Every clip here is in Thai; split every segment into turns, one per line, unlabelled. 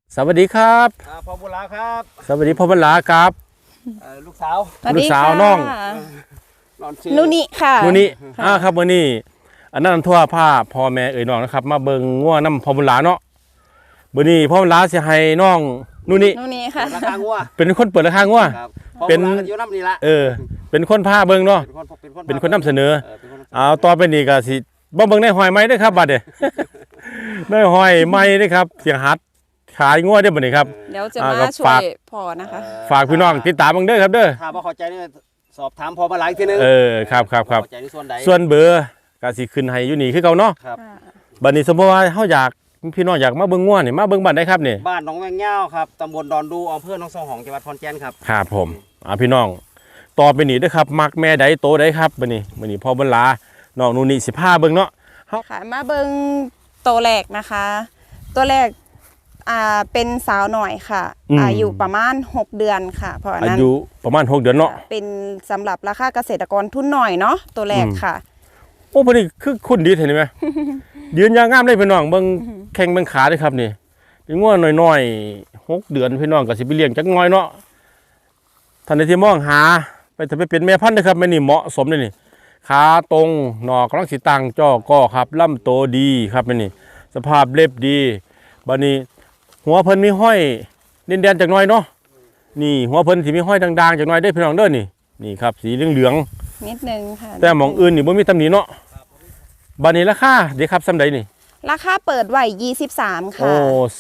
สวัสดีครับ
พ่อบุญหลาครับ
สวัสดีพ่อบุญหลาครับ
ลูกสาว
ลูกสาวน้อง
นุนิค่ะ
นุนิครับวันนี้อันนั้นทั่วผ้าพ่อแม่เอ๋ยน้องนะครับมาเบิ่งงัวน้ำพ่อบุญหลาเนาะวันนี้พ่อบุญหลาจะให้น้องนุนิ
ค่ะ
ราคางัว
เป็นคนเปิดราคางัว
เป็นอยู่น้ำนี่ละ
เป็นคนผ้าเบิ่งเนาะเป็นคนนำเสนอเอาต่อไปนี่ก็สิบ่เบิ่งในหอยไม้ด้วยครับบัดเด้ในหอยไม้ด้วยครับเสียงฮัดขายงัวได้บ่นี่ครับ
เดี๋ยวจะมาช่วยพ่อนะคะ
ฝากพี่น้องติดตามบังเด้อครับเด้อ
ถ้าบ่เข้าใจนี่สอบถามพ่อมาหลายทีนึง
ครับ
เข้าใจในส่วนใด
ส่วนเบอร์ก็สิขึ้นให้อยู่นี่คือเก่าเนาะ
ครับ
บัดนี้สมมุติว่าเฮาอยากพี่น้องอยากมาเบิ่งงัวนี่มาเบิ่งบ้านได้ครับนี่
บ้านหนองแวงเง่าครับตำบลดอนดูอำเภอหนองสองหองจังหวัดขอนแก่นครับ
ครับผมพี่น้องต่อไปนี่เด้อครับมักแม่ใดโตใดครับบัดนี้พ่อบุญหลาน้องนูนี่สิพาเบิ่งเนาะ
ค่ะมาเบิ่งตัวแรกนะคะตัวแรกเป็นสาวหน่อยค่ะอายุประมาณ6 เดือนค่ะเพราะนั้น
อายุประมาณ6 เดือนเนาะ
เป็นสำหรับราคาเกษตรกรทุนหน่อยเนาะตัวแรกค่ะ
โอ้พอดีคือคุณดีเห็นไหมยืนยางงามได้พี่น้องเบิ่งแข้งเบิ่งขาด้วยครับนี่เป็นงัวน้อยๆ6 เดือนพี่น้องก็สิไปเลี้ยงจักหน่อยเนาะท่านใดที่มองหาไปถ้าไปเป็นแม่พันธุ์นะครับแม่นี่เหมาะสมเลยนี่ขาตรงหนอกกำลังสิตั้งจ้อก็ครับลำโตดีครับแม่นี่สภาพเล็บดีบัดนี้หัวเพิ่นมีห้อยเด่นๆจากหน่อยเนาะนี่หัวเพิ่นสิมีห้อยด่างๆจากหน่อยได้พี่น้องเด้อนี่ครับสีเหลือง
ๆนิดนึงค่ะ
แต่หม่องอื่นนี่บ่มีตำหนิเนาะบัดนี้ราคาเด้ครับซำใดนี่
ราคาเปิดไว้23ค่ะ
โอ้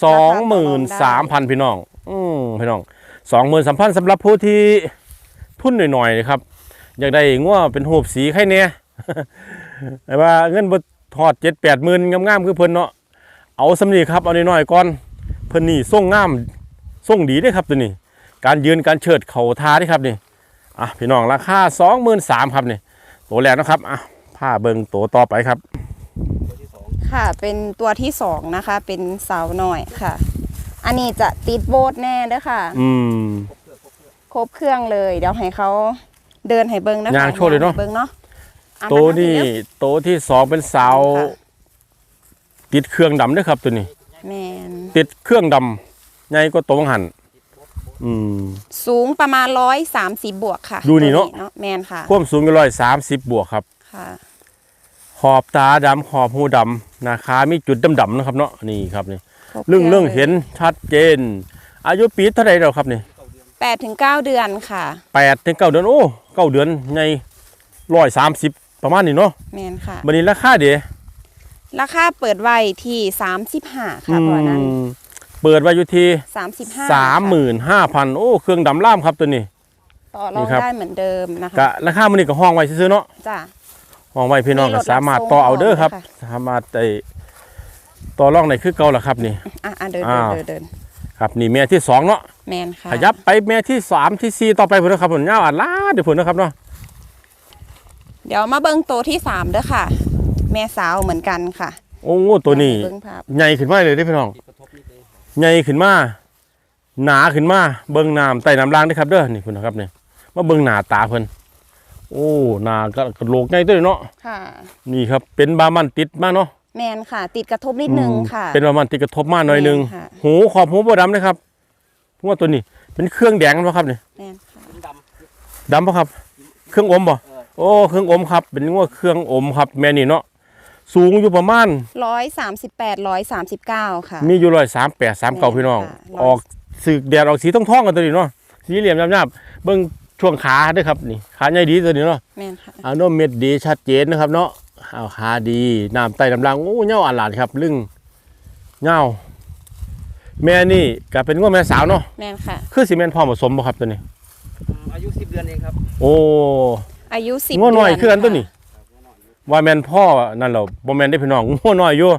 23,000 พี่น้องพี่น้อง 23,000 สำหรับผู้ที่ทุนหน่อยๆครับอยากได้งัวเป็นรูปสีไข่แน่แต่ว่าเงินบ่ทอด 7-8 หมื่นงามๆคือเพิ่นเนาะเอาสำนี้ครับเอาน้อยๆก่อนเพิ่นนี่ทรงงามทรงดีเด้ครับตัวนี้การยืนการเชิดเข่าทาเด้ครับนี่พี่น้องราคา 23,000 ครับนี่ตัวแรกนะครับผ้าเบิ่งตัวต่อไปครับ
ค่ะเป็นตัวที่2นะคะเป็นสาวหน่อยค่ะอันนี้จะติดโบสแน่เด้อค่ะครบเครื่องเลยเดี๋ยวให้เขาเดินให้เบิ่งนะคะ
ย่างโชว์เลยเนาะ
เบิ่งเนาะ
ตัวนี้ตัวที่2เป็นสาวติดเครื่องดำด้วยครับตัวนี้
แมน
ติดเครื่องดำใหญ่ก็ตัวหัน
สูงประมาณ130 บวกค่ะ
ดูนี่เนาะ
แมนค่ะ
ความสูง130 บวกครับ
ค่ะ
ขอบตาดำขอบหูดำนะคะมีจุดดำๆนะครับเนาะนี่ครับนี่เรื่องเห็นชัดเจนอายุปีเท่าไหร่แล้วครับนี่
8 ถึง 9 เดือนค่ะ
8 ถึง 9 เดือนโอ้9 เดือนใหญ่130ประมาณนี้เนาะ
แมนค่ะ
บัดนี้ราคาเด้
ราคาเปิดไว้ที่35ค่ะเพราะนั้น
เปิดไว้อยู่ที่
35,000
โอ้เครื่องดำล่ามครับตัวนี้
ต่อรองได้เหมือนเดิมนะคะ
กะราคามันนี่ก็ห้องไว้ซื้อเนาะ
จ้ะ
ห้องไว้พี่น้องก็สามารถต่อเอาเด้อครับสามารถต่อรองในคือเก่าล่ะครับนี่
เดิน
ครับนี่แม่ที่2เนาะ
แมนค่ะ
ขยับไปแม่ที่3ที่4ต่อไปพุ่นนะครับพุ่นยาวลาเดี๋ยวพุ่นนะครับเนาะ
เดี๋ยวมาเบิ่งตัวที่3เด้อค่ะแม่สาวเหมือนกันค่ะ
โอ้ตัวนี้ใหญ่ขึ้นมาเลยได้พี่น้องใหญ่ขึ้นมาหนาขึ้นมาเบิ่งน้ำใต้น้ำล่างได้ครับเด้อนี่พุ่นนะครับนี่มาเบิ่งหน้าตาเพิ่นโอ้หน้ากระโหลกใหญ่ตัวเนาะ
ค่ะ
นี่ครับเป็นบามันติดมาเนาะ
แมนค่ะติดกระทบนิดนึงค่ะ
เป็นบามันติดกระทบมาหน่อยนึงหูขอบหูบ่ดำนะครับเพราะว่าตัวนี้เป็นเครื่องแดงป่ะครับนี่
แมนค่ะ
ดำป่ะครับเครื่องอมป่ะโอ้เครื่องอมครับเป็นว่าเครื่องอมครับแม่นี่เนาะสูงอยู่ประมาณ
138 139ค่ะ
มีอยู่138 39พี่น้องออกสึกแดดออกสีท้องๆกันตัวนี้เนาะสีเหลี่ยมหยาบๆเบิ่งช่วงขาด้วยครับนี่ขาใหญ่ดีตัวนี้เนาะ
แม่นค่ะ
โนเม็ดดีชัดเจนนะครับเนาะขาดีน้ำไตน้ำลังโอ้เงาอันหลานครับลึงเงาแม่นี่ก็เป็นว่าแม่สาวเนาะ
แม่นค่ะ
คือสิแม่นพ่อผสมบ่ครับตัวนี้
อายุ10 เดือนเองครับ
โอ้
อายุ10
งัวน้อยคือกันตัวนี้ว่าแม่นพ่อนั่นเหรอบ่แม่นได้พี่น้องงัวน้อยอยู่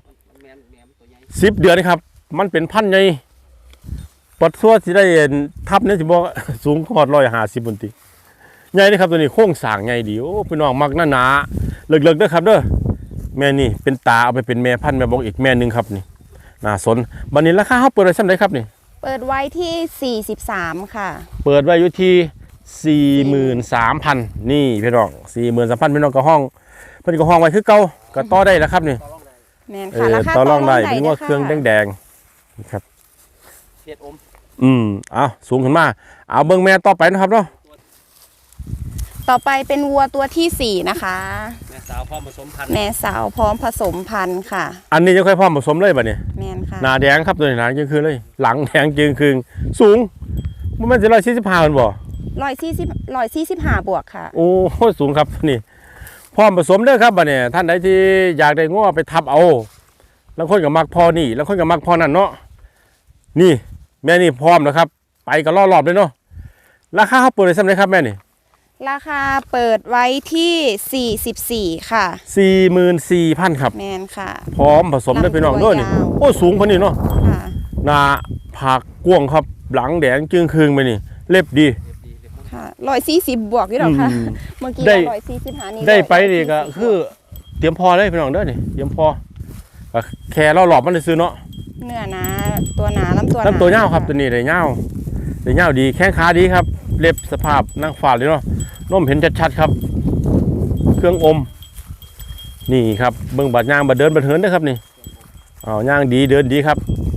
10 เดือนครับมันเป็นพันธุ์ใหญ่ปัดทั่วสิได้ทับเนี่ยสิบอกสูงกว่า150บนติใหญ่เลยครับตัวนี้โค้งสร้างใหญ่ดีโอ้พี่น้องมักหนาเลิกๆเด้อครับเด้อแม่นี่เป็นตาเอาไปเป็นแม่พันธุ์แม่บอกอีกแม่นึงครับนี่น่าสนบัดนี้ราคาเฮาเปิดไว้ซั่นใดครับนี่
เปิดไว้ที่43ค่ะ
เปิดไว้อยู่ที่43,000นี่พี่น้อง43,000พี่น้องก็ห้องเพิ่นก็ห้องไว้คือเก่าก็ต่อได้แล้วครับนี่
แม่นค่ะราคา
ต่อรองได้เป็นว่าเครื่องแดงๆครับ
ศอม
เอาสูงขึ้นมาเอาเบิ่งแม่ต่อไปนะครับเนาะ
ต่อไปเป็นวัวตัวที่ 4 นะคะ
แม่สาวพร้อมผสมพันธุ์
แม่สาวพร้อมผสมพันธุ์ค่ะ
อันนี้ยังค่อยพร้อมผสมเลยบัดนี้
แมนค่ะ
หน้าแดงครับตัวนี้หน้าจึงคือเลย หลังแดงจึงคือสูงมันเป็น145มันบ่
145 บวกค่ะ
โอ้โหสูงครับนี่พร้อมผสมเด้อครับบัดนี้ท่านใดที่อยากได้งัวไปทับเอาแล้วคนก็มักพอนี่แล้วคนก็มักพอนั่นเนาะนี่แม่นี่พร้อมแล้วครับไปก็ล่อรอบเลยเนาะราคาเขาเปิดได้สำเร็จครับแม่นี่
ราคาเปิดไว้ที่ 44 ค่ะ
44,000ครับ
แมนค่ะ
พร้อมผสมได้พี่น้องด้วยนี่
ลำตัวยาว
โอ้สูงพอนี่เนาะ
ค่ะ
หน้าผากกว้างครับหลังแดงจึงคืงไปนี่เล็บดี
ค่ะ140 บวกอยู่หรอคะ
อืม
เมื่อกี้
ได้
145นี่
ได้ไปนี่ก็
140
คือเตรียมพอเลยพี่น้องเด้อนี่เตรียมพอก็แค่เราหลอบมันได้ซื้อเนาะ
เนื้อหนาตัวหนาลำตัวหนา
ลำตัวเงาวครับตัวนี้ได้เงาวได้เงาวดีแข้งขาดีครับเล็บสภาพนั่งฝาดเลยเนาะนมเห็นชัดๆครับ เครื่องอม นี่ครับเบิ่งบัดย่างบัดเดินบัดเหินนะครับนี่เอาย่างดีเดินดีครับ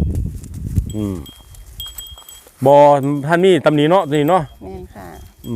บอท่านนี่ตำหนิเนาะตัวนี้เนาะ
แมนค่ะ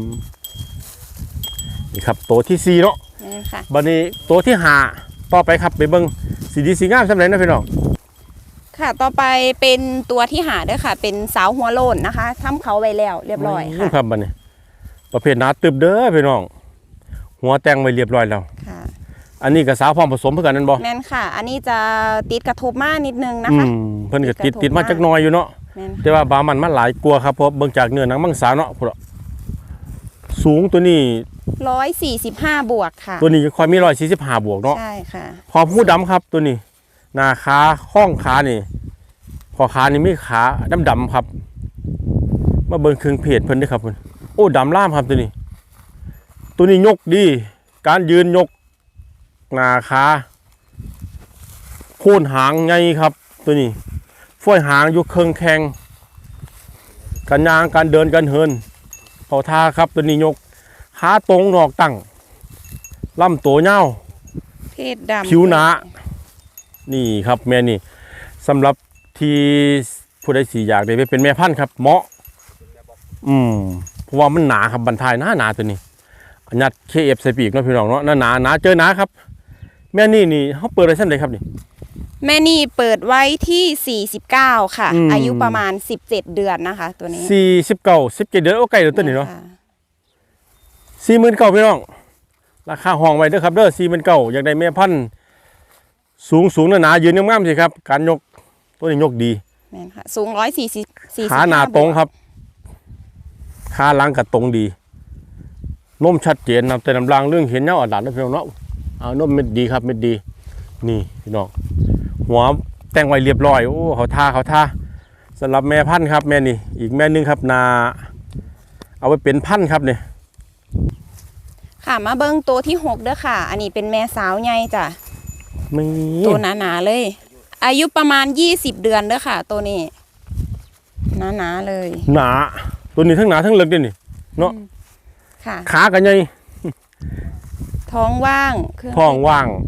นี่ครับตัวที่4เนาะ
แมนค่ะ
บัดนี้ตัวที่5ต่อไปครับไปเบิ่งสีดีสีงามสำเร็จนะพี่น้อง
ค่ะ ต่อไปเป็นตัวที่หาด้วยค่ะ เป็นสาวหัวโลนนะคะทำเขาไว้แล้วเรียบร้อยค่ะ
ครับบัดนี้ ประเภทหนาตึบเด้อพี่น้องหัวแต่งไว้เรียบร้อยแล้ว
ค่ะ
อันนี้กับสาวพร้อมผสมเพื่อกันนั่นบ่
แมนค่ะ อันนี้จะติดกระทบมากนิดนึงนะคะ
เพิ่นก็
ติ
ติ
ด
ด
กระทบ
มาจักหน้อยอยู่เนาะ
แมน
แต่ว่าบามันมันหลายกลัวาครับเพราะเบิ่งจากเนื้อหนังมังสาเนาะพุ่นอะสูงตัวนี้
145 บวกค่ะ
ตัวนี้ค่อยมี145บวกเนาะ
ใช่ค่ะ
พอผู้ดำครับตัวนี้หน้าขาข้องขานี่พอขานี่มีขาดำๆครับ มาเบิ่งเครื่องเพจเพิ่นเด้อครับเพิ่นโอ้ดำล่ามครับตัวนี้ ตัวนี้ยกดี การยืนยกหน้าขาโค่นหางไงครับ ตัวนี้ฝ้อยหางอยู่เครื่องแข็งการยางการเดินการเหินเขาท่าครับตัวนี้ยกขาตรงนอกตั้งลำตัวเงา
เพศดำ
ผิวหนานี่ครับแม่นี่สำหรับที่ผู้ใดสีอยากได้ไปเป็นแม่พันธุ์ครับเหมาะเพราะว่ามันหนาครับบรรทายหนาตัวนี้อันยัดเคเอฟใส่ปีกเนาะพี่น้องเนาะหนาเจอหนาครับ แม่นี่เขาเปิดอะไรเส้นเลยครับนี่
แม่นี่เปิดไว้ที่ 49 ค่ะ
อืม
อายุประมาณ 17 เดือนนะคะ ตัวนี้
17 เดือนโอ้ไก่เดือนตัวนี้เนาะ
ค่
49,000พี่น้องราคาห้องไว้เด้อครับเด้อ49,000อยากได้แม่พันธุ์สูงหนายืนงามๆสิครับการยกตัวนี้ยกดี
แม่นค่ะ สูง140
ขาหนาตรงครับขาหลังกับตรงดีนมชัดเจนนะแต่น้ำรางเรื่องเห็นเนาะอัดนะพี่น้องเนาะเอานมเม็ดดีครับเม็ดดีนี่พี่น้องหัวแต่งไว้เรียบร้อยโอ้เขาท่าสำหรับแม่พันธุ์ครับแม่นี่อีกแม่นึงครับนาเอาไว้เป็นพันธุ์ครับเนี่ย
ค่ะมาเบิ้งตัวที่6เด้อค่ะ อันนี้เป็นแม่สาวใหญ่จ้ะ
มี
ตัวหนาๆเลย อายุประมาณ20 เดือนเด้อค่ะ ตัวนี้หนาๆเลย
หนาตัวนี้ทั้งหนาทั้งเล็กด้วยนี่เนาะ
ค่ะ
ขากันใหญ่
ท้องว่างเครื่
ท้องว่าง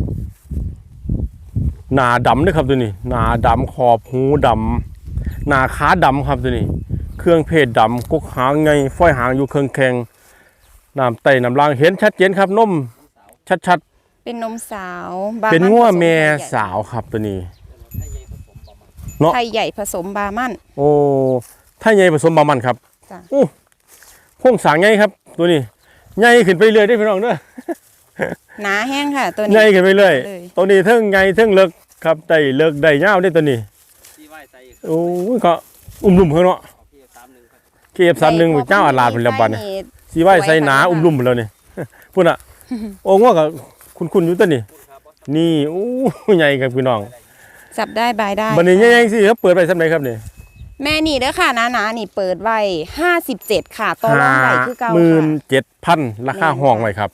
หนาดำด้วยครับตัวนี้หนาดำขอบหูดำหนาขาดำครับตัวนี้ เครื่องเพศดำกกหางไงฝ้อยหางอยู่เครื่องแข็งน้ำไตน้ำลางเห็นชัดเจนครับนมชัด
เป็นนมสาว
ๆเป็นงัวแม่สาวครับตัวนี้ เนาะ
ไทยใหญ่ผสมบาร์มัน
โอ้ถ้าใหญ่ผสมบามันครับ
จ้ะ
โอ้โค้งสร้างใหญ่ครับ ตัวนี้ใหญ่ขึ้นไปเรื่อยได้อพี่น้องเด้อ
หนาแห้งค่ะ ตัว
ให
นี้
ญ่ขึ้นไปเรื่อย
เลย
ตัวนี้เทิงใหญ่เทิงเลิกครับได้เลิกได้ยาวได้ตัวนี้
ที่ไหว้ใจ
โอ้ยก็ลุ่มๆเพิ่นเนาะ
พี่31ครับ
เก็บ31เจ้าอาลาดเพิ่นแล้วบัดนี้สิไว้ใส่หนาลุ่มๆเพิ่นแล้วนี่ พุ่นน่ะโอ้งัวก็คุ้นๆอยู่ตัวนี้ นี่โอ้ใหญ่ครับพี่น้อง
จับได้บายได้
บัดนี้ใหญ่ๆสิครับเปิดไว้ซำใดครับนี่
แม่นี่เด้อค่ะหนาๆนี่เปิดไว้57 ค่ะต่อรองได้คือเก่าค่ะ
57,000ราคาห้องไว้ครับ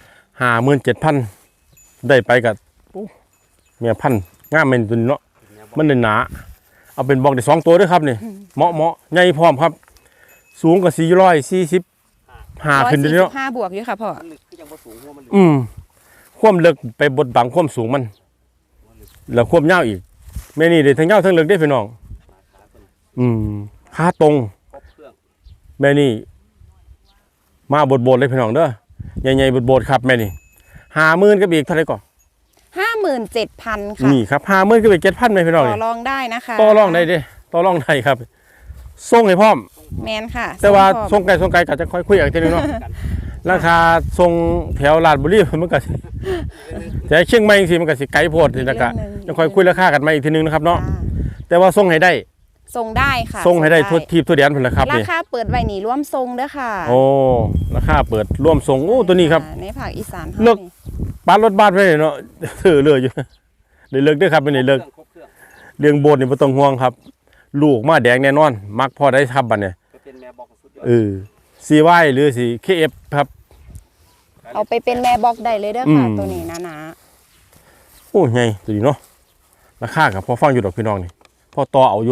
57,000ได้ไปกับเมียพันธุ์งามแม่นตัวนี้เนาะมันหนาเอาเป็นบอกได้2ตัวเด้อครับนี่เหมาะใหญ่พร้อมครับ สูงกว่า445ขึ้นเด้อเนาะ
145 บวกอยู่ค่ะพ่อ
มันลึกคือยังบ่สูงหัวมันลึก
ความลึกไปบดบังความสูงมัน แล้วความยาวอีกแม่นี่ได้ทั้งยาวทั้งลึกได้อพี่น้องขาตรง
ครบเครื่อง
แม่นี่มาบดๆเลยพี่น้องเด้อใหญ่ๆบดๆครับแม่นี่50,000กับอีกเท่าไหร่ก่อน
57,000 ค่ะ
นี่ครับ50,000กับอีก7,000เลยพี่น้อง
ต่อ
นี่
รองได้นะคะ
ต่อรองได้เด้ต่อรองได้ครับส่งให้พร้อม
แมนค่ะ
แต่ว่า
ส่งพร้อม
ส่งไกลก็จะค่อยคุยกันทีนึงเนาะราคาส่งแถวลาดบุรีมันก็สิแต่เชียงใหม่จังซี่มันก็สิไกลโพดนี่นะกะจะค่อยคุยราคากันใหม่อีกทีนึงนะครับเนาะ
จ้า
แต่ว่าส่งให้ได้
ส่งได้ค่ะ
ส่งให้ได้ทั่วทีบทั่วแดนพุ่นละครับ
รา
นี่
คาเปิดไว้นี่ร่วมทรงเด้อค่ะ
โอ้ราคาเปิดร่วมส่งโอ้ตัวนี้ครับ
ในภาคอีสาน
เลิก ปานรถบ้านไว้เนาะถือเรืออยู่ได้เลิกเด้อครับเป็นได้เลิก
ครบเครื่อง
เรื่องโบสถ์นี่บ่ต้องห่วงครับ ลูกมาแดงแน่นอน มักพอได้ทับบัดเนี่ย
จะเป็นแม่บอกสุดยอด
CY หรือสิ KF ครับ
เอาไปเป็นแม่บอกได้เลยเด้อค่ะ ตัวนี้นะ
โอ้ใหญ่ตัวนี้เนาะราคากับพอฟังอยู่ดอกพี่น้องนี่พอต่อเอาอยู่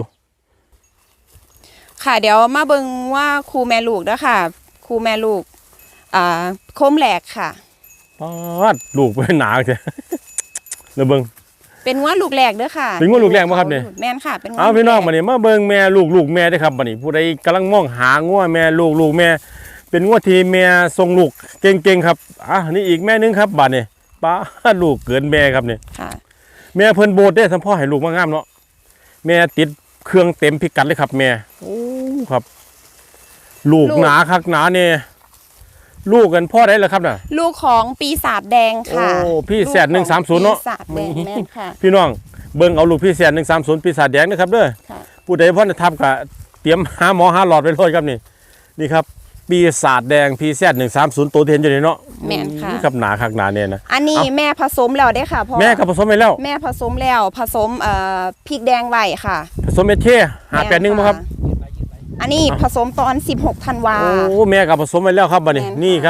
ค่ะเดี๋ยวมาเบิ่งว่าครูแม่ลูกเด้อค่ะครูแม่ลูกโคมแหลกค่ะ
ปาดลูกเป็นหนาจ้ะ เดี๋ยวเบิ่ง
เป็นงัวลูกแหลกเด้อค่ะ
เป็นงัวลูกแหลกบ่ครับเนี่ย
แม่นค่ะเป็นงัว
เอาพี่น้อง
ลูก
มา
แหลก
นี่มาเบิ่งแม่ลูกแม่เด้อครับบัดนี้ผู้ใดกำลังมองหางัวแม่ลูกแม่ เป็นงัวที่แม่ทรงลูกเก่งๆครับนี่อีกแม่นึงครับบัดนี้ป้าดลูกเกินแม่ครับนี่
ค่ะ
แม่เพิ่นโบดได้สัมพ่อให้ลูกมางามเนาะแม่ติดเครื่องเต็มพิกัดเลยครับแม่โอ้ครับ ลูกหนาคักหนาเนี่ยลูกกันพ่อได้แล้วครับน่ะ
ลูกของปีศาจแดงค่ะ
โอ้พี่แสด
ลูกของ
130เนาะ
ปีศาจแดงแม่นค่ะ
พี่น้องเบิ่งเอาลูกพี่แสด130ปีศาจแดงนะครับเด้อ
ค่ะ
ผู้ใดพ่อจะทับก็เตรียมหาหมอหาหลอดไว้เลยครับนี่ครับปีศาจแดงพี่แสด130ตัวที่เห็นอยู่นี่เนาะ
แม่นค่ะ
ครับหนาคักหนาเนี่ยนะ
อันนี้แม่ผสมแล้วได้อค่ะพ่อ
แม่ก็ผสมไปแล้ว
แม่ผสมแล้วผสมพริกแดงไว้ค่ะ
ผสมเอเท581บ่ครับ
อันนี้ผสมตอน16ธันวา
โอ้แม่กับผสมไปแล้วครับบัดนี้
แม่นค่ะ
นี่ครับ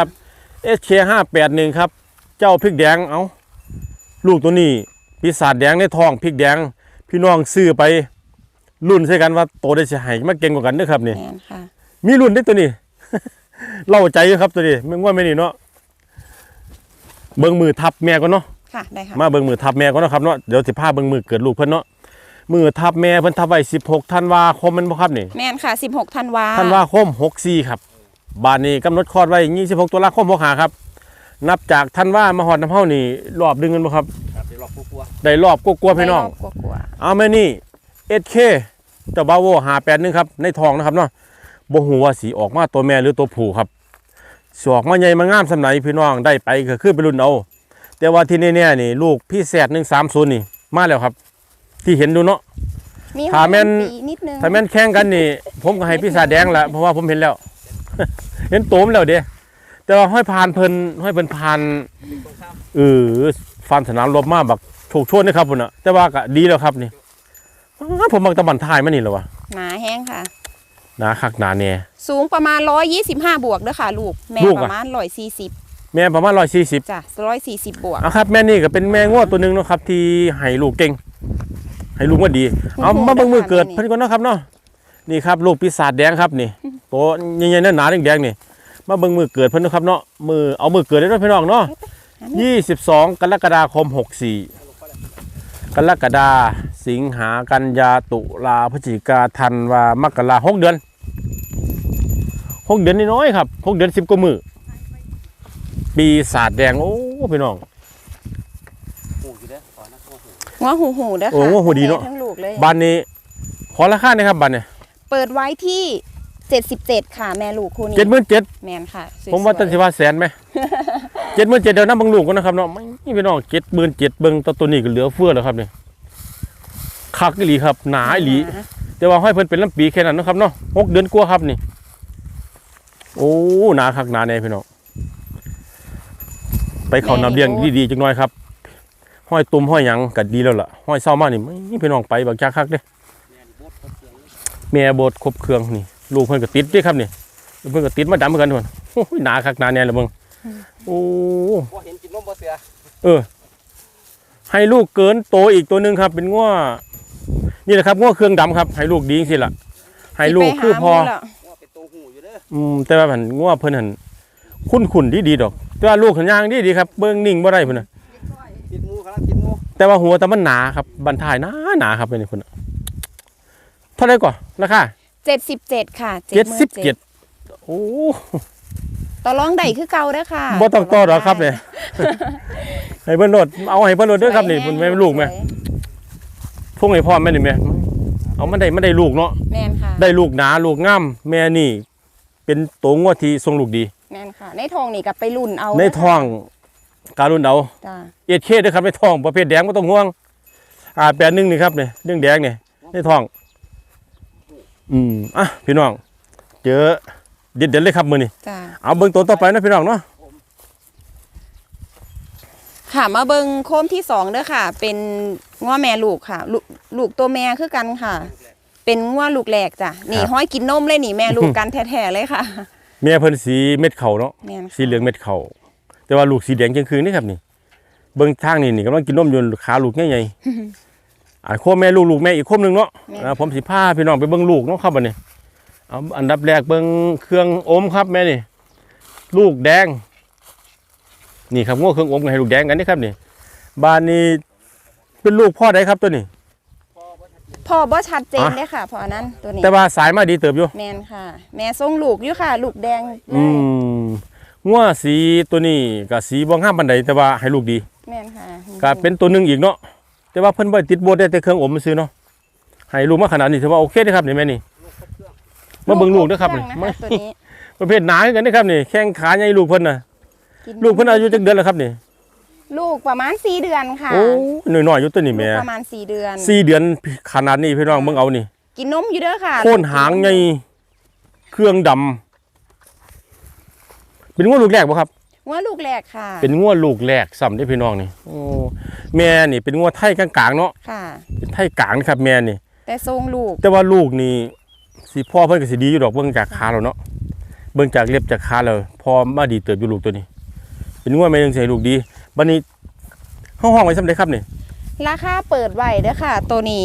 SK581 ครับเจ้าพริกแดงเอาลูกตัวนี้ปีศาจแดงในท้องพริกแดงพี่น้องซื้อไปรุ่นใส่กันว่าโตได้สิให้มาเก่งกว่ากันเด้อครับนี่
แม่นค่ะ
มีรุ่นได้อตัวนี้ เล่าใจอยู่ครับตัวนี้ไม่ง่วงไม่นี่เนาะเบิ่งมือทับแม่ก่อนเนาะ
ค่ะได้ค่ะ
มาเบิ่งมือทับแม่ก่อนเนาะครับเนาะเดี๋ยวสิพาเบิ่งมือเกิดลูกเพิ่นเนาะมือทับแม่เพิ่นทับไว้16ธันวาคมแม่นบ่ครับนี่
แม่นค่ะ16ธันวา
ธันวาคม64ครับบานนี้กำหนดคลอดไว้26ตุลาคม65ครับนับจากธันวามาฮอดน้ำเฮานี่รอบดึงกันบ่ครับ
ครับเดี๋ยวรอบกลัว
ได้รอบกลัวๆพี่น้อง
ได้รบกลัว
เอาแม่นี่ SK เจ้าบาโว581ครับในท้องนะครับเนาะบ่ฮู้ว่าสิออกมาตัวแม่หรือตัวผู้ครับสิออกมาใหญ่มางามสำไหนพี่น้องได้ไปก็คือไปรุ่นเอาแต่ว่าที่แน่ๆนี่ลูกพี่แสด130นี่มาแล้วครับ ที่เห็นดูเนาะ
มี
ถ้าแม่น
ปีนิดนึง
ถ้าแม่นแข่งกันนี่ ผมก็ให้พี่สาแดงละเพราะว่าผมเห็นแล้ว เห็นโตมแล้วเด้แต่ว่าห้อยพานเพิ่นพานฟันสนามรบมาแบบโชคโชนนะครับพุ่นน่ะแต่ว่าก็ดีแล้วครับนี่ผมมักตะบันท้ายมานี่แหละวะ
หนาแห้งค่ะ
หนาคักหนาแน่
สูงประมาณ125บวกเด้อค่ะลูกแม่
ลูก
ป
อะ
ระมาณ140
แม่ประมาณ140
จ้ะ140บวก
เอาครับแม่นี่ก็เป็นแม่งวดตัวหนึงเนาะครับที่ให้ลูกเก่งให้ลูกว่าดี เอามาเบิ่งมือเกิดเพิ่นก่อนเนาะครับเนาะนี่ครับลูกปีศาจแดงครับนี่โตใหญ่ๆหนาๆแดงๆนี่มาเบิ่งมือเกิดเพิ่นเนาะครับเนาะเอามือเกิดได้ด้วยพี่น้องเนาะ22 กรกฎาคม 64 กรกฎาสิงหากันยาตุลาพฤศจิกาธันวามกรา6 เดือน6 เดือนน้อยๆครับ6 เดือน10 กว่ามื้อปีศาจแดงโอ้พี่น้อง
ๆหูอยู่เด้อขอนะเข้าหู
หัวหูเด้อ
โอ้
ค่ะ
หัวหูดีเนอะ
ทั้งลูกเลย
บ้านนี้ขอราคาหนะครับบ้านนี้
เปิดไว้ที่77ค่ะแม่ลูกคู่นี้
77,000
แม่นค่ะสวยๆ
ผมว่าตันสิว่าแสนไหม77,000เดี๋ยวน้ำเบิ่งลูกก่อนนะครับเนาะไม่พี่น้อง77,000เบิ่งตัวนี้ก็เหลือเฟือแล้วครับนี่คักอีหลีครับหนาอีหลี แต่ว่าห้อยเพิ่นเป็นลำปีแค่นั้นเนาะครับเนาะ6 เดือนกว่าครับนี่ โอ้หนาคักหนาแน่พี่น้องไปเข้านำเลี้ยงดีๆจังหน่อยครับห้อยตุ่มห้อยหยังก็ดีแล้วล่ะห้อยเศร้ามานี่ไม่พี่น้องไปบักจักคักเด้
แม่โบดครบเครื่องเลย
แม่โบดครบเครื่องนี่ลูกเพิ่นก็ติดเด้ครับนี่ลูกเพิ่นก็ติดมาดำเหมือนกันทุกคนโอ้ยหนาคักหนาแน่ละเบิ่งโอ้
บ่เห็นกินนมบ่เสือ
ให้ลูกเกินโตอีกตัวหนึงครับ เป็นง้อนี่แหละครับง้อเครื่องดำครับให้ลูกดีจังซี่ล่ะให้ลูกคือพอ
สิไปหาหมู่แล้ว
ว่าเป็นตัวหูอยู่เด้อ
แต่ว่าผันง้อเพิ่นหันคุ้นดีดอกแต่ว่าลูกหันย่างดีครับเบิ่งนิ่งบ่ได้พุ่นน่ะ
ติดงูครับติดงู
แต่ว่าหัวแต่มันหนาครับบันทายหนาครับเป็นพุ่นน่ะเท่าไหร่ก่อนราคา
77ค่ะ
77โอ้
ต่อรองได้คือเก่าเด้อค่ะ
บ่ต้องต่อหรอกครับเนี่ย ให้เพิ่นโลดเอาให้เพิ่นโลดเด้อครับนี่เพิ่นแม่ลูกแม่
สวย
พุ่งให้พ่อแม่นี่แม่เอามันได้ลูกเนาะ
แม่นค่ะ
ได้ลูกหนาลูกงามแม่นี่ เป็นตัวงัวที่ทรงลูกดี
แม่นค่ะ ในทองนี่ก็ไปรุ่นเอา
ในท้องการุนเอา
จ้า
เอชเคด้วยครับในท้องประเภทแดงบ่ต้องห่วง81นี่ครับนี่เรื่องแดงนี่ในท้องอ่ะพี่น้องเจอเด็ดๆเลยครับมื้อนี้
จ้า
เอาเบิ่งตัวต่อไปนะพี่น้องเนาะ
ค่ะมาเบิงโคมที่2เด้อค่ะ เป็นงัวแม่ลูกค่ะ ลูกตัวแม่คือกันค่ะ เป็นงัวลูกแรกจ้ะนี่ห้อยกินนมเลยนี่แม่ลูกกันแท้ๆเลยค่ะ
แม่เพิ่นสีเม็ดเข่าเนาะ
แม่นค่ะ
สีเหลืองเม็ดเข่าแต่ว่าลูกสีแดงจังคืนนี่ครับนี่เบิ่งทางนี่กำลังกินนมอยู่ขาลูกใหญ่ๆโคมแม่ลูกแม่อีกโคมหนึงเนาะผมสิพาพี่น้องไปเบิ่งลูกเนาะครับบัดนี้เอาอันดับแรกเบิ่งเครื่องอมครับแม่นี่ลูกแดงนี่ครับงัวเครื่องอมให้ลูกแดงกันนี่ครับนี่บ้านนี้เป็นลูกพ่อใดครับตัวนี้
พ่อบ่ชัดเจนเลยค่ะพ่อนั้นตัวนี้
แต่ว่าสายมาดีเติบอยู่
แม่นค่ะ แม่ทรงลูกอยู่ค่ะ ลูกแดงเลย
งัวสีตัวนี้ก็สีบ่งามปานใดแต่ว่าให้ลูกดี
แม่นค่ะ
ก็เป็นตัวหนึงอีกเนาะแต่ว่าเพิ่นบ่ติดโบสได้แต่เครื่องอมซื้อเนาะให้ลูกมาขนาดนี้ถือว่าโอเคเด้อครับนี่แม่นี่มาเบิ่งลูกเด้อครับนี่
นะคะตัวนี้
ประเภทหนาคือกันเด้อครับนี่แข้งขาใหญ่ลูกเพิ่นน่ะ
กิน
ลูกเพิ่นอายุจักเดือนแล้วครับนี่
ลูกประมาณ4เดือนค่ะ
โอ้น้อยๆอยู่ตัวนี้
ลู
แม่
กประมาณ4เดือน
4เดือนขนาดนี้พี่น้องเบิ่งเอานี่
กินนมอยู่เด้อค่ะ
โค่นหางใหญ่เครื่องดำเป็นงัวลูกแรกบ่ครับ
งัวลูกแรกค่ะ
เป็นงัวลูกแรกซ้ำได้อพี่น้องนี่โอ้แม่นี่เป็นงัวไทยกลางๆเนาะ
ค่ะ
เป็นไทยกลางนะครับแม่นี่
แต่ทรงลูก
แต่ว่าลูกนี่สิพ่อเพิ่นก็สิดีอยู่ดอกเบิ่งจากขาแล้วเนาะเบิ่งจากเล็บจากขาแล้วพอมาดีเติบอยู่ลูกตัวนี้ เป็นงัวแม่ยังสิให้ลูกดีบัดนี้ห้องไว้ซำใดครับนี่
ราคาเปิดไว้เด้อค่ะ ตัวนี้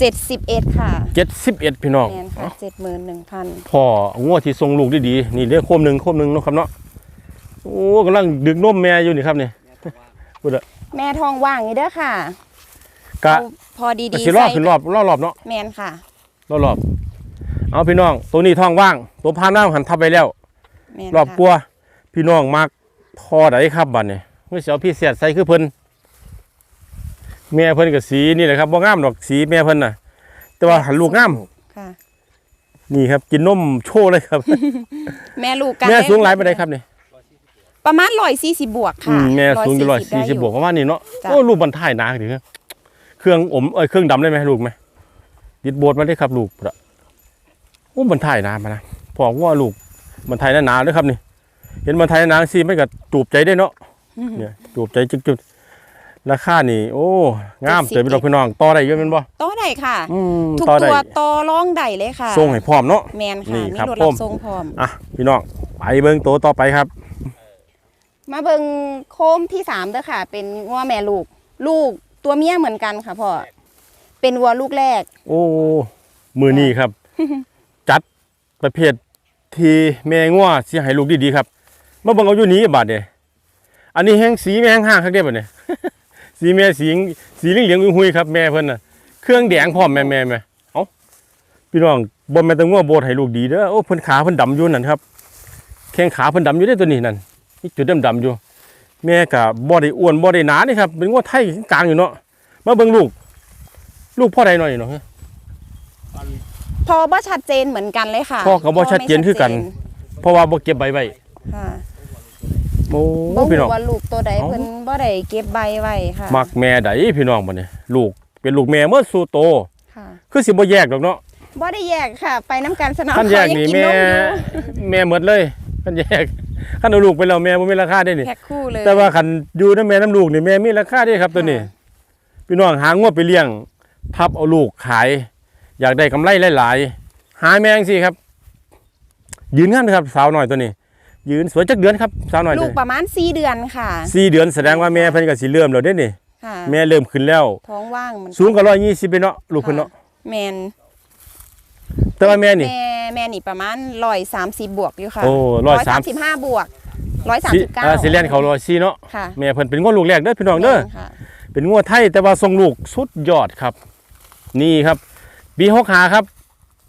71ค่ะ
71พี่น้อง
แม่นค่ะ71,000
พ่องัวที่ทรงลูกดีๆนี่เด้อโคมหนึงเนาะครับเนาะโอ้กำลังดึกนมแม่อยู่นี่ครับนี่
แม่ทองว่างนี่เด้อค่ะ
กะ
เอาพอดี
สิรอบขึ้นรอบเนาะ
แม่นค่ะ
รอบเอาพี่น้องตัวนี้ท้องว่างตัวพาน้ำหันทับไปแล้ว
แม่น
รอบ
ค่ะ
กลัวพี่น้องมักพอใดครับบัดนี้เมื่อเช้าพี่เสียดใส่คือเพิ่นแม่เพิ่นกับสีนี่แหละครับบ่งามดอกสีแม่เพิ่นน่ะ แต่ว่าหันลูกงาม
ค่ะ
นี่ครับกินนมโชว์เลยครับ
แม่ลูกกัน
แม่สูงหลายปานใดครับนี่
ประมาณ140บวกค่ะ
แม่สูงอยู่
ได้
140บวกประมาณนี้เนาะ
จ้ะ
โอ้ลูกบรรทายหนาถึงเครื่องอมเครื่องดำได้ไหมลูกไหมติดโบสมาได้ครับลูกละโอ้บรรทายหนามานะพอว่าลูกบรรทายหนาๆด้วยครับนี่เห็นบรรทายหนาสิไม่ก็จูบใจได้เนาะเนี่ยจูบใจจุดๆราคานี่โอ้งามเติบไปดอกพี่น้องต่อได้เยอะแม่นบ่
ต่อได้ค่ะ ทุก
ต่อได้
ตัวต่อรองได้เลยค่ะ
ส่งให้พร้อมเนาะ
แมน
นี่
ค่ะมี
ครับ
รถ
ผ
รับ
ม
ส่งพร้อม
อ่ะพี่น้องไปเบิ่งตัวต่อไปครับ
มาเบิงโคมที่3เด้อค่ะ เป็นวัวแม่ลูก ลูกตัวเมียเหมือนกันค่ะพ่อเป็นวัวลูกแรก
โอ้มือนี้ครับ จัดประเภทที่แม่งัวสิให้ลูกดีๆครับมาเบิ่งเอาอยู่นี้บาดเด้อันนี้แห้งสีแม่แห้งห้างคักเด้บัดนี้ สีแม่สีเหลืองๆหุยๆครับแม่เพิ่นน่ะเครื่องแดงพร้อมแม่เอ้าพี่น้องบ่แม่นแต่งัวโบดให้ลูกดีเด้อโอ้เพิ่นขาเพิ่นดำอยู่นั่นครับแข้งขาเพิ่นดำอยู่เด้อตัวนี้นั่นมีจุดดำๆอยู่ แม่ก็บ่ได้อ้วนบ่ได้หนานี่ครับเป็นงัวไทยกลางอยู่เนาะมาเบิ่งลูกพ่อใดหน่อยเนาะ
พอบ่ชัดเจนเหมือนกันเลยค่ะ
พ่อก็บ่ชัดเจนคือกัน เพราะว่าบ่เก็บใบไว้
ค่ะ
โอ้
บ่
พี่น้
รู้
อง
ว่าลูกตัวใด
เอ้า
เพิ่นบ่ได้เก็บใบไว้ค่ะ
มักแม่ใดพี่น้องบัดนี้ลูกเป็นลูกแม่เมื่อสู่โต
ค่ะ
คือสิบ่แยกดอกเนาะ
บ่ได้แยกค่ะ ไปน้ำกันสนาม
คันแยก
เขา
นี่
ยัง
แม่
นอยู่
แม่หมดเลยคันแยกคันเอาลูกไปแล้วแม่บ่มีราคาได้นี่
แพ็คคู่เลย
แต่ว่าคันอยู่นำแม่น้ำลูกนี่แม่มีราคาได้ครับตัวนี้
ค่ะ
พี่น้องหางวไปเลี้ยงทับเอาลูกขาย อยากได้กำไรหลายๆหาแม่จังซี่ครับ ยืนงามนะครับสาวน้อยตัวนี้ ยืนสวยจักเดือนครับสาวน้อย
ลู
ตัว
ก
นี้
ประมาณ4เดือนค่ะ
4เดือนแสดงว่าแม่เพิ่นก็สิเริ่มแล้วเด้นี่
ค่ะ
แม่เริ่มขึ้นแล้ว
ท้องว่างเหมือน
สูงกว่า120ไปเนาะลูกเพิ่นเนาะ
แมน
แต่ว่าแม่นี่
แม่นี่ประมาณ130บวกอยู่ค่ะ
โอ้130
135บวก
สิ
139
สิเลียนเขา104เนาะ
ค่ะ
แม่เพิ่นเป็นงัวลูกแรกเด้อพี่น้องเด้อ
แม่นค่ะ
เป็นงัวไทยแต่ว่าทรงลูกสุดยอดครับ นี่ครับปี65ครับป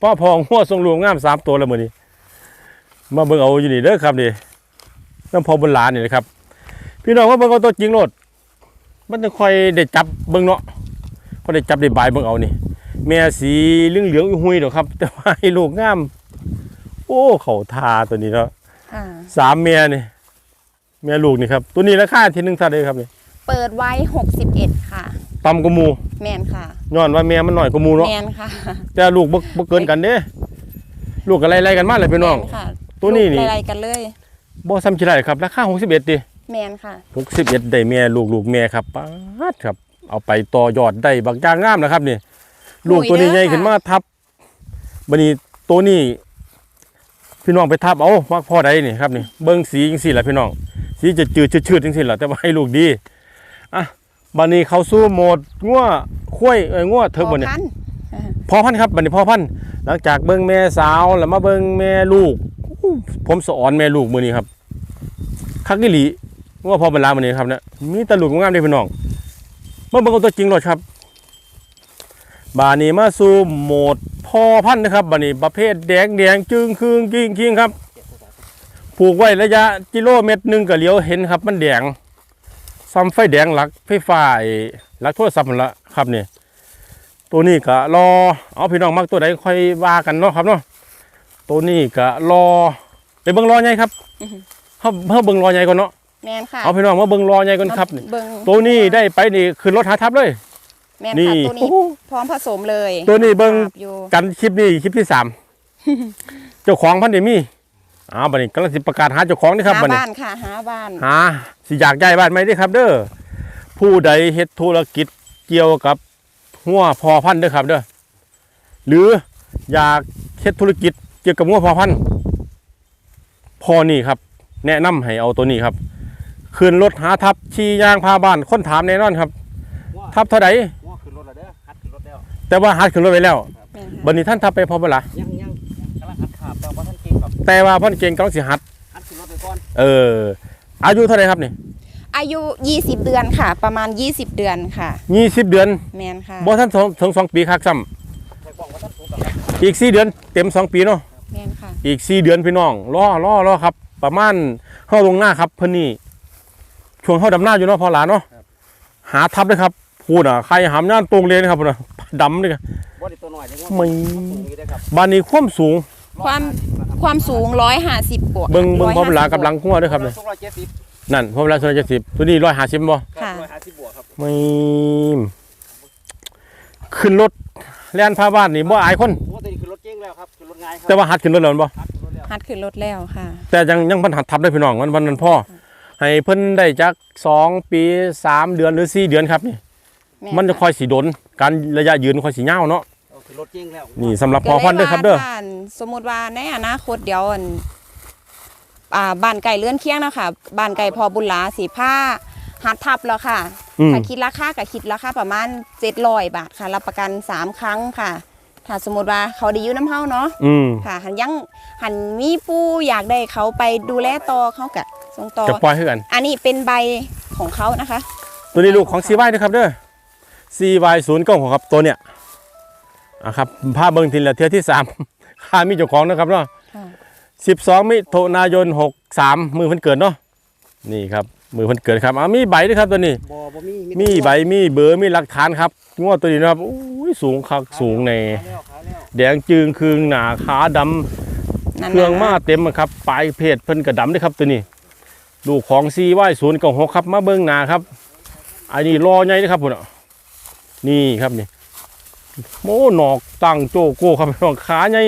พ่อพองหัวทรงรวมงาม3ตัวแล้วมื้อนี้มาเบิ่งเอาอยู่นี่เด้อครับนี่น้ำพอบุญหลานนี่นะครับพี่น้องว่าเบิ่งเอาตัวจริงโลดมันจะค่อยได้จับเบิ่งเนาะก็ได้จับได้บายเบิ่งเอานี่แม่สีเหลืองๆหุยๆดอกครับแต่ว่าให้ลูกงามโอ้เขาทาตัวนี้เนาะ
ค่ะ
3แม่นี่แม่ลูกนี่ครับตัวนี้ราคาที่1เท่าใดครับนี่
เปิดไว้61ค่ะ
ต่ำกว่าหมู่
แมนค่ะ
ย้อนว่าแม่มันน้อยกว่าหมู่เนาะ
แมนค่ะ
แต่ลูกบ่เกินกันเด้ลูกก็ไล่ๆกันมาเลยพี่น้อง
แม่ค่ะ
ตัวนี้นี่
อะไรกันเลย
บ่ซ้ำสิได้ครับราคา61ดิ
แมนค่ะ
61ได้แม่ลูกแม่ครับป๊าดครับเอาไปต่อยอดได้บักอย่างงามนะครับนี่ลูกตัวนี้ใหญ่ขึ้นมาทับบัดนี้ตัวนี้พี่น้องไปทับเอาว่าพ่อใดนี่ครับนี่เบิ่งสีจังซี่ล่ะพี่น้องสีจะจืดชืดๆจังซี่ล่ะแต่ว่าให้ลูกดีอ่ะบัดนี้เข้าสู่โหมดงัวควายงัวเถิกบ่เนี่ย
พอพัน
พ่อพันธุ์ครับบัดนี้พ่อพันธุ์หลังจากเบิ่งแม่สาวแล้วมาเบิ่งแม่ลูกอู้ผมสอนแม่ลูกมื้อนี้ครับคักอีหลีว่าพ่อบรรลามื้อนี้ครับเนี่ยมีแตลูกงามๆเด้พี่น้องมาเบิ่งเอาตัวจริงโลดครับบาดนี้มาสู่โหมดพ่อพันธุ์นะครับบาดนี้ประเภทแดงจึงคืงกิ้งครับผูกไว้ระยะกิโลเมตรหนึงก็เหลียวเห็นครับมันแดงซ้ำไฟแดงหลักไฟฟ้าหลักโทรศัพท์นั่นละครับนี่ตัวนี้ก็รอเอาพี่น้องมักตัวใดค่อยว่ากันเนาะครับเนาะตัวนี้ก็รอไปเบิ่งรอใหญ่ครับเฮาเบิ่งรอใหญ่ก่อนเนาะ
แมนค่ะ
เอาพี่น้องมาเบิ่งรอใหญ่ก่อนครับนี่
เบิ่ง
ตัวนี้ได้ไปนี่ขึ้นรถหาทับเลย
แมน
นี่
ค่ะตัวนี้พร้อมผสมเลย
ตัวนี้เบิ่ง
ครับอยู่
กันคลิปนี้คลิปที่3 เจ้าของพันธุ์มีบัดนี้กำลังสิประกาศหาเจ้าของนี่ครับ
หา
บัดนี้
บ้านค่ะหาบ้าน
หาสิอยากย้ายบ้านไหมเด้อครับ เด้อผู้ใดเฮ็ดธุรกิจเกี่ยวกับงัวพอพันธุ์เด้อครับเด้อหรืออยากเฮ็ดธุรกิจเกี่ยวกับงัวพอพันธุ์พอนี่ครับ แนะนำให้เอาตัวนี้ครับขึ้นรถหาทับขี่ยางพาบ้านคนถามแน่นอนครับ ทับเท่าใด
ง้อขึ้นรถแล้วเด้อฮัดขึ้นรถแล้ว
แต่ว่าหัดขึ้นรถไว้แล้ว
แม่นค่ะ
บัดนี้ท่านทับไปพอบ่ล่ะ
ยังกำลังฮัดขาบแต่ว่าท่านเก่งครับ
แต่ว่าพ่อนเก่งกำลังสิหัด
ฮัดขึ้นรถไปก่อน
อายุเท่าไหร่ครับนี่
อายุ20 เดือนค่ะ ประมาณ20 เดือนค่ะ
20 เดือน
แมนค่ะ
บ่ท่านถึง2ปีคักซ้ำ
ใส่กล่องว่าท่านถูกกับครับ
อีก4 เดือนเต็ม2ปีเนาะ
แมนค่ะ
อีก4 เดือนพี่น้องรอครับ ประมาณเฮาลงหน้าครับเพิ่นนี่ช่วงเฮาดำหน้าอยู่เนาะพอหลานเนาะหาทับเลยครับพูดอ่ะใครหามย่านตรงเลยนะครับพุ่นน่ะดำเลยครับ
บ่ได้ตัวหน่อยเลยง้อ
ไม่
สูงอยู่ได้ครับ
บ้านนี้ความสูง
ความสูง150กว่า
เบิ่งพอเวลากับหลังหัวด้วยครับเนี่ย
270
นั่นพอเวลา270ตัวนี้150บ่
ค่ะ
150บวกครับ
ไม่ขึ้นรถแล่นพาบ้านนี่บ่อายคน
โอ้ตัวนี้ขึ้นรถเก่งแล้วครับขึ้นรถง่ายครับ
แต่ว่าหัดขึ้นรถแล้วแม่นบ่
ฮัดขึ้นรถแล้ว
หัดขึ้นรถแล้วค่ะ
แต่ยังเพิ่นหัดทับได้พี่น้องมันพ่อให้เพิ่นได้จัก2 ปี3 เดือนหรือ4 เดือนครับนี่
แม่
มันจะค่อยสิโดนการระยะยืนค่อยสิยาวเนาะ
เอาขึ้นรถเก่งแล้ว
นี่สำหรับพอพันธุ์เด้อครับเด้อ
ก็ลยว่าสมมุติว่าในอนาคตเดี๋ยวบ้านไก่เลื่อนเคียงเนาะค่ะบ้านไก่พอบุญหลาสีผ้าหัดทับแล้วค่ะ
อืม
ถ้าคิดราคาก็คิดราคาประมาณ700 บาทค่ะรับประกัน3 ครั้งค่ะ ถ้าสมมติว่าเขาได้อยู่น้ำเฮาเนาะ
อืม
ค่ะหันมีผู้อยากได้เขาไปดูแลต่อเขากะส่งต่อ
จะปล่อยให้กัน
อันนี้เป็นใบของเขานะคะ
ตัวนี้ลูกของ CY นะครับเด้อ CY 096ครับตัวเนี้ยครับภาพเบิ่งทีละเทื่อที่3 ค่ามีเจ้าของนะครับเนาะ
ค่ะ
12 มิถุนายน 63 มือเพิ่นเกิดเนาะนี่ครับมือเพิ่นเกิดครับมีใบด้วยครับตัวนี้
บ่มี
มีใบมีเบอร์มีหลักฐานครับงวดตัวนี้นะครับอุ้ยสูงคักสูงใน
ขายแล้ว
แดงจึงคืงหนาขาดำ
นั่น
เครื่องมา
น่ะ
เต็มอะครับปลายเพจเพิ่นกระดำด้วยครับตัวนี้ลูกของCY 096ครับมาเบิ่งหน้าครับอันนี้รอใหญ่นะครับพุ่นอ่ะนี่ครับนี่โอ้หนอกตั้งโจโก้ครับน้องขาใหญ่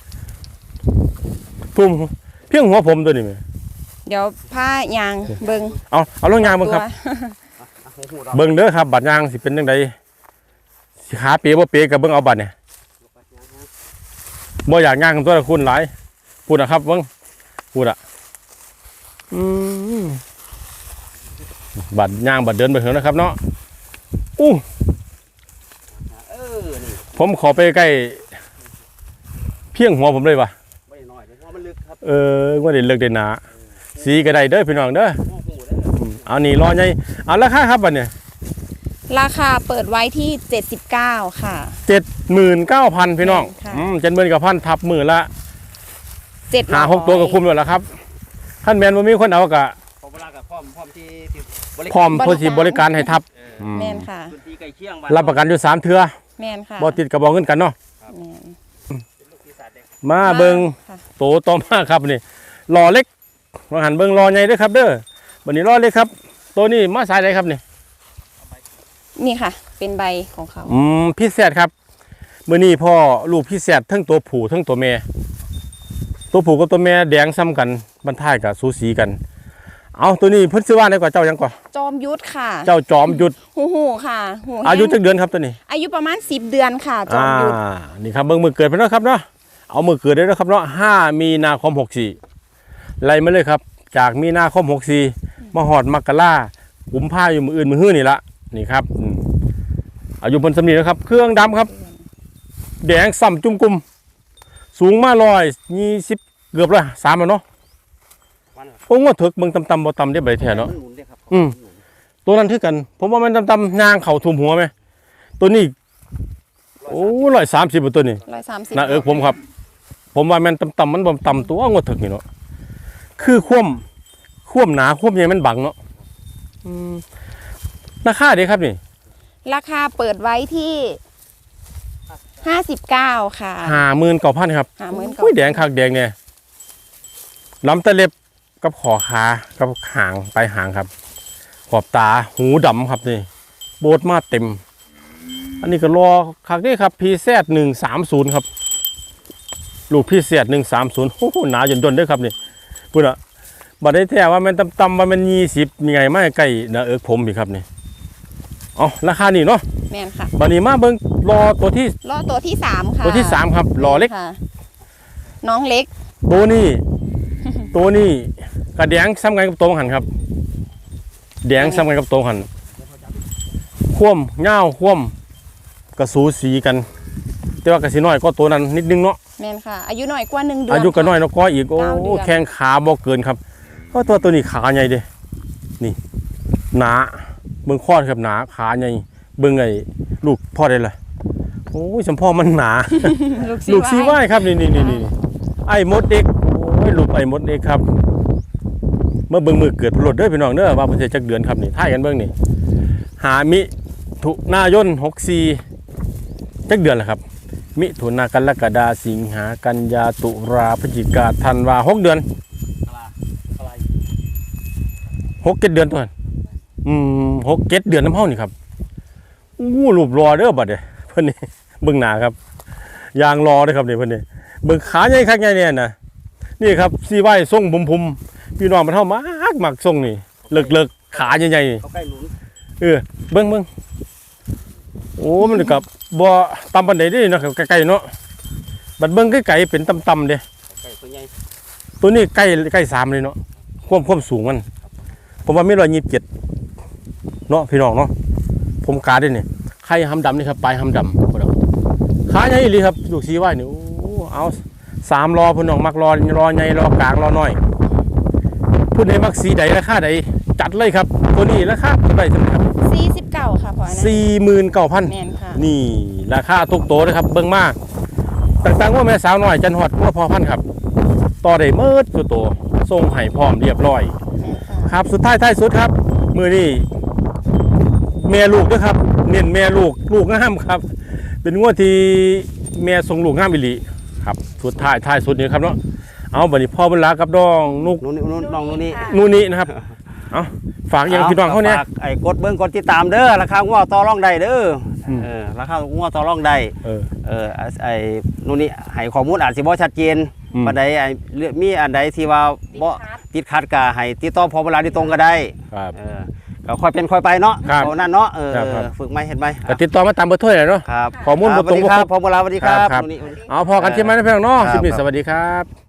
ทุ่มเพียงหัวผมตัวนี้แม่
เดี๋ยวผ้ายางเบิง
เอาลงยางเบิ่งครับ
หูเรา
เบิ่งเด้อครับบัดยางสิเป็นจังไดสิขาเปียบ่เปียกับเบิ่งเอาบัดเนี่ยบ่อยากย่างตัวละคุณหลายพูดนะครับเบิ่งพูดอ่ะบัดย่างบัดเดินไปเถอะนะครับเนาะอู้
นี่
ผมขอไปใกล้เพียงหัวผมเลยว่ะ
ไม่น้อยเลยเพราะมันลึกครับ
ว่าได้เลิกได้หนาสีก็ได้เด้อพี่น้องเด้อ
ง้อหูเด้อ
เอานี่รอใหญ่เอาราคาครับบัดเนี่ย
ราคาเปิดไว้ที่79ค่ะ
79,000พี่น้อง
ค่ะ
79,000ทับมือละ
700
หา6ตัวก็คุ้มแล้วล่ะครับท่านแมนบ่มีคนเอากะ
พอเวลากับพร้อมที่บริ
พร้อมเพื่อสิบริการให้ทับ
แม่นค่ะ
พื้นที่ใกล้เคียง
รับประกันอยู่3เทื่อ
แม่นค่ะ
บ่ติดกับบ่เงินกันเนาะ
แม่น
มาเบิ่ง
ค่ะ
โตต่อมาครับนี่รอเล็กมาหันเบิ่งรอใหญ่เด้อครับเด้อบัดนี้รอเล็กครับตัวนี้มาสายใดครับนี่
นี่ค่ะ เป็นใบของเขา
พี่แซดครับมื้อนี้พ่อลูกพี่แซดทั้งตัวผู้ทั้งตัวแม่ตัวผู้กับตัวแม่แดงซ้ำกันบรรทายกับสูสีกันเอาตัวนี้เพิ่นชื่อว่าได้กว่าเจ้ายังก่อ
จอมยุทธค่ะ
เจ้าจอมยุทธ
หูค่ะหูแห้ง
อายุจักเดือนครับตัวนี้
อายุประมาณ10 เดือนค่ะ จอมยุทธ
นี่ครับเบิ่งมือเกิดเพิ่นเนาะครับเนาะเอามือเกิดได้แล้วครับเนาะ5มีนาคม64ไล่มาเลยครับจากมีนาคม64มาฮอดมกรากุมภาอยู่มื้ออื่นมื้อฮื้อนี่ละนี่ครับอายุเพิ่นสำนีนะครับเครื่องดำครับแดงส่ำจุ่มกุมสูงมา120เกือบละ3แล้วเนาะโอ้งว่าถึกเบิ่งต่ำๆบ่ต่ำได้ใบแท้เนาะ ตัวนั้นคือกัน ผมว่ามันต่ำๆย่างเข่าทุ่มหัวไหมตัวนี้โอ้130ตัวนี้
130
นะผมครับ ผมว่ามันต่ำๆมันบ่ต่ำตัวงวดถึกนี่เนาะคือคว่ำหนาคว่ำใหญ่มันบังเนาะราคาเด้ครับนี่
ราคาเปิดไว้ที่59ค่ะ
59,000ครับ
59,000
อุ้ยแดงคักแดงเนี่ยลำตะเล็บกับขอขากับหางปลายหางครับ ขอบตาหูดำครับนี่โบดมาเต็ม อันนี้ก็รอคักนี่ครับพีแซด130ครับลูกพีแซด130โอ้โหหนาจนดนด้วยครับนี่พูดอะบัดได้แท้ว่ามันต่ำๆว่ามัน20มีไงไม่ใกล้นะผมอีกครับนี่เอาราคานี่เนาะ
แม่นค่ะ
บัดนี้มาเบิ่งรอตัวที่
รอตัวที่3ค่ะ
ตัวที่3ครับรอเล็ก
ค่ะ น้องเล็ก
ตัวนี้ตัวนี้กระแดงซ้ำกันกับตัวหันครับแดงซ้ำกันกับตัวหันคว่ำเง่าคว่ำกระสูสีกัน แต่ว่ากระสีน้อยก็ตัวนั้นนิดนึงเนาะ
แม่นค่ะ อายุน้อยกว่า1 เดือน
อายุก็น้อยเนาะก็อีกโอ้
9 เดือน
แข้งขาบ่เกินครับเพราะตัวนี้ขาใหญ่เด้นี่หนาเบิ่งข้อครับหนาขาใหญ่เบิ่งไอ้ลูกพ่อได้เลยโอ้ยสมพ่อมันหนา ลูกซีไว้ครับนี่ไอ้มดเด็กโอ้ยลูกไอ้มดเด็กครับเมื่อเบิ่งมือเกิดพลดเด้อพี่น้องเด้อว่าเพิ่นสิจักเดือนครับนี่ท่ายกันเบิ่งนี่หามิถุนายน64จักเดือนแล้วครับมิถุนากรกฎาสิงหากันยาตุลาพฤศจิกาธันวา6เดือน6-7 เดือนตัวนั้น6-7 เดือนน้ำเฮานี่ครับอู้รูปรอเด้อบัดเด้เพิ่นนี่เบิ่งหน้าครับยางรอเด้อครับนี่เพิ่นนี่เบิ่งขาใหญ่คักใหญ่เนี่ยนะนี่ครับซีไว้ทรงพุ่มๆพี่น้องมันเฮามากทรงนี่เลิกๆขาใหญ่ๆนี่
เขาใกล้หนุน
เบิ่งโอ้มันกับบ่ต่ำปานใดเด้เนาะครับใกล้ๆเนาะบัดเบิ่งไกลๆเป็นต่ำๆเด้
ใกล้ตัวใหญ่
ตัวนี้ใกล้3เลยเนาะความสูงมันผมว่ามี127เนาะพี่น้องเนาะผมกาได้นี่ไข่หำดำนี่ครับปลายหำดำพุ่นเอาขาใหญ่อีหลีครับลูกซีไว้นี่โอ้เอา3รอพุ่นน้องมักรอใหญ่รอกลางรอน้อยพุ่นใดมักสีใดราคาใดจัดเลยครับตัวนี้ราคาเท่าไหร่ซั่นครับ
49ค่ะพอนะ
49,000
แม่นค่ะ
นี่ราคาทุกโตเลยครับเบิ่งมาต่างๆว่าแม่สาวน้อยจันฮอดว่าพอพันครับต่อได้เมิดตัวโตส่งให้พร้อมเรียบร้อย
แม่นค่ะ
ครับสุดท้ายสุดครับมื้อนี้แม่ลูกด้วยครับเน้นแม่ลูกงามครับ เป็นงวดที่แม่ส่งลูกงามอีหลีครับสุดท้ายสุดนี้ครับเนาะเอาบัดนี้พ่อบุญหลากับน้องนุก
นู่นน้องนู่นนี่
นู่นนี่นะครับเอาฝากยังพี่น้องเขาเนี่ย
ฝกไอ้กดเบิ้งกดติดตามเด้อราคางัวต่อรองได้เด้อราคางัวต่อรองได้ไอ้นู่นนี่ให้ข้อมูลอาจสิบ่ชัดเจนปานใดไอ้มีอันใดที่ว่าบ่ติดขัดก็ให้ติดต่อพอเวลาที่ตรงก็ได้
ครับ
ก็ค่อยเป็นค่อยไปเนาะ
ครับ
เอานั่นเนาะ
ครับ
ฝึกไหมเห็นไหม
ก็ติดต่อมาตามเบอร์โทรเลยเนาะ
ครับ
ข้อมูลบ่ตรงบ่
ค
คร
รับ บพอเวลาสวัสดีครับ
ครับ
นู่นนี่
เอาพอกันใช่ไหมนะพี่น้องเนาะ
ครับ
คลิปนี้สวัสดีครับ